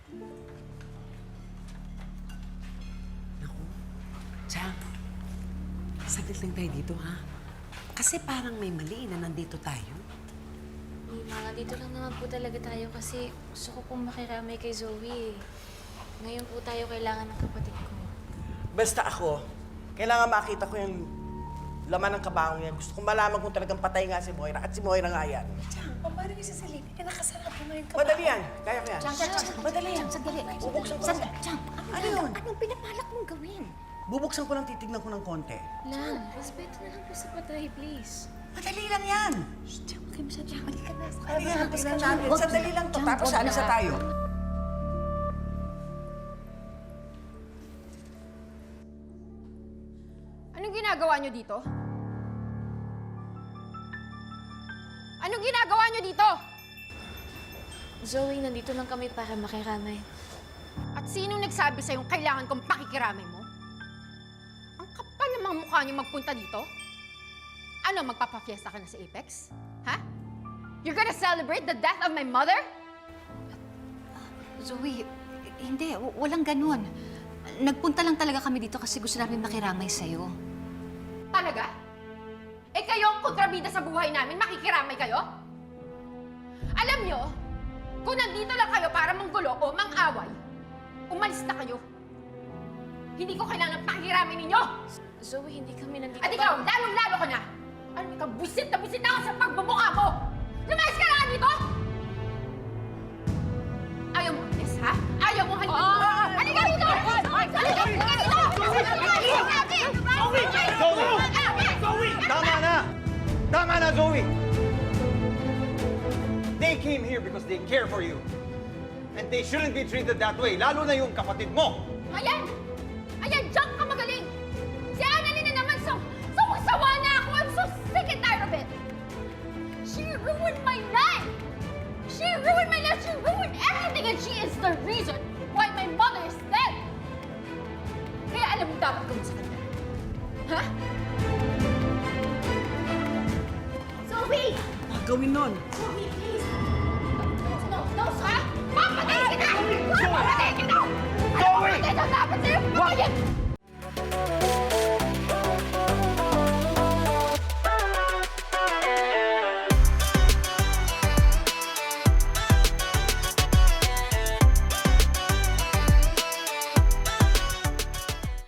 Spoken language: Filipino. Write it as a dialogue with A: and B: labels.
A: Naku, Chang, saglit lang tayo dito, ha? Kasi parang may mali na nandito tayo.
B: Mima, dito lang naman po talaga tayo kasi gusto ko pong makiramay kay Zoe. Ngayon po tayo kailangan ng kapatid ko.
C: Basta ako, kailangan makita ko yung laman ng kabahong yan. Gusto kong malaman kung talagang patay nga si Moira at si Moira nga yan.
A: Chang, paano yung sasalin? Eh, nakasarap mo ngayon ka.
C: Madali yan. Kaya ko yan.
A: Madali yan.
D: Sandali.
C: Bubuksan ko lang.
D: Chang,
C: Ano yun?
D: anong pinapalak mong gawin?
C: Bubuksan ko lang, titignan ko ng konti.
B: Lang, respeto na lang po sa patay, please.
C: Madali lang yan.
D: Chang, huwag kayo masyadong halika na.
C: Ano yan? Tignan natin. Sandali lang to. Tapos alis na tayo.
E: Anong ginagawa niyo dito? Anong ginagawa niyo dito?
B: Zoe, nandito lang kami para makiramay.
E: At sinong nagsabi sa'yo kailangan kong pakikiramay mo? Ang kapal ng mga mukha niyo magpunta dito? Ano, magpapafiesta ka na sa Apex? Ha? You're gonna celebrate the death of my mother?
D: Zoe, hindi. Walang ganun. Nagpunta lang talaga kami dito kasi gusto namin makiramay sa'yo.
E: Talaga? Eh kayo ang kontrabida sa buhay namin, makikiramay kayo? Alam nyo, kung nandito lang kayo para manggulo o mang-away, umalis na kayo. Hindi ko kailangan pakikiramay ninyo!
B: Zoe, hindi kami nandito
E: At ikaw, lalong-lalo ka na! Ano ikaw, buisit na ako sa pagbubukha mo! Lumayas ka na nga dito! Ayaw mo umalis, ha? Ayaw mo halika dito! Halika dito! Halika dito!
F: Zoe! Tama na! Tama na, Zoe! They came here because they care for you. And they shouldn't be treated that way, lalo na yung kapatid mo.
E: Ayan! Ayan, diyan ka magaling! Si Annalyn na naman, sawa na ako! I'm so sick and tired of it! She ruined my life! She ruined my life! She ruined everything! And she is the reason why my mother is dead! Kaya alam mo dapat gawin sa kanya. Ha? Zoe!
C: Gawin nun.
E: Zoe, please! No, ha? Papatay kita! Papatay kita! Zoe! Papatay ka dapat sa'yo! Patayin!